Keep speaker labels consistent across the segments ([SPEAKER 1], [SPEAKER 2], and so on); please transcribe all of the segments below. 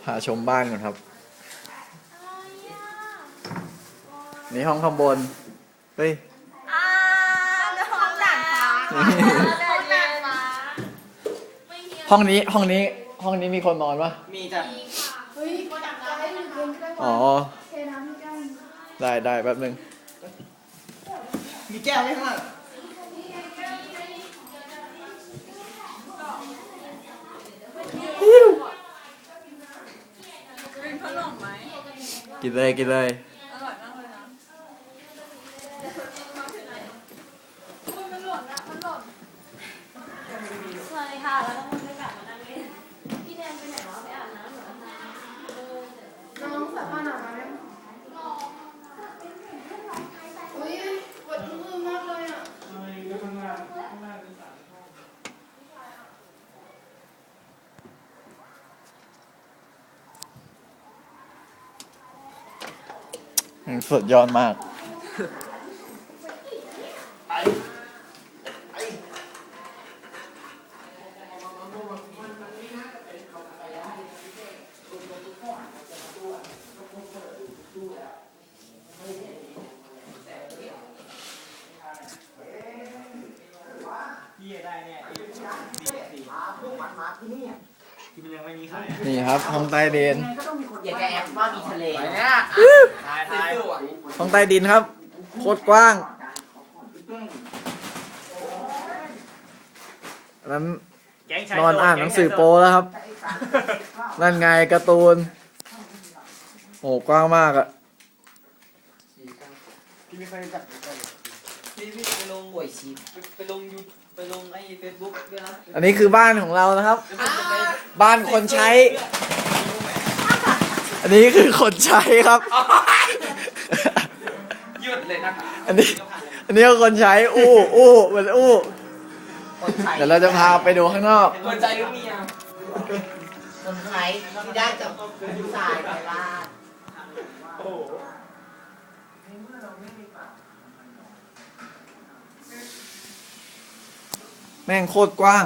[SPEAKER 1] พาชมบ้านก่อนครับนี่ห้องข้างบนเฮ้ย
[SPEAKER 2] ห้องด่านฟ้า
[SPEAKER 1] ห้องนี้มีคนนอนปะ
[SPEAKER 3] มีจ้ะ
[SPEAKER 2] เฮ้ยดับได้หรือเย็นก็ได้
[SPEAKER 1] อ๋อ
[SPEAKER 2] เทน้ำให้กัน
[SPEAKER 1] ได้แป๊บนึง
[SPEAKER 3] มีแก้วไหมข้างหลัง
[SPEAKER 2] เป็นขนมไหม
[SPEAKER 1] กินเลย
[SPEAKER 2] อร่อยมากเลยนะมันหล่นสวัสดีค่ะแล้วก็มึงได้กลับมานั่งเล่นพี่แนนไปไหนวะไปอาบน้ำเหรอน้องสายผ้าหนามาแล้วอุ้ยปวดมือมากเลยอ่ะ
[SPEAKER 1] สุดยอดมาก
[SPEAKER 3] พี่ได้เนี่ยพวกหมาที่นี่ที่มันยังไม่มีขาย
[SPEAKER 1] นี่ครับห้องใต้ดิน
[SPEAKER 3] อย่าแกแอบว่ามีทะเลเนี่ยถ่าย
[SPEAKER 1] ห้องใต้ดินครับโคตรกว้างนั้นนอนอ่านหนังสือโป๊แล้วครับนั่นไงการ์ตูนโอ้กว้างมากอะ
[SPEAKER 3] พี่ไม่เคยจับพี่ไปลงหวยชีไปลงยูไปลงไอ้เฟซบุ๊กด้วยนะ
[SPEAKER 1] อันนี้คือบ้านของเรานะครับ บ้านคนใช้ อันนี้คือคนใช้ครับ
[SPEAKER 3] หยุดเลยนะ
[SPEAKER 1] อันนี้ก็คนใช้เหมือนเดี๋ยวเราจะพาไปดูข้างนอก
[SPEAKER 3] คนใจหรือเมีย
[SPEAKER 4] คนไทยที่ได้จากผู้ชายไปบ้าน
[SPEAKER 3] โอ้
[SPEAKER 1] แม่งโคตรกว้าง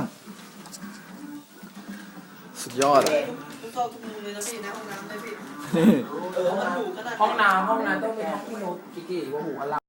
[SPEAKER 1] สุดยอดอะ
[SPEAKER 4] ทุกซอกทุกมุมเลยนะพี่นะห้องน้ำเลยพี่
[SPEAKER 3] ห้องน้ำต้องเป็นห้องที่โน้ตกี่ว่าหูอะไร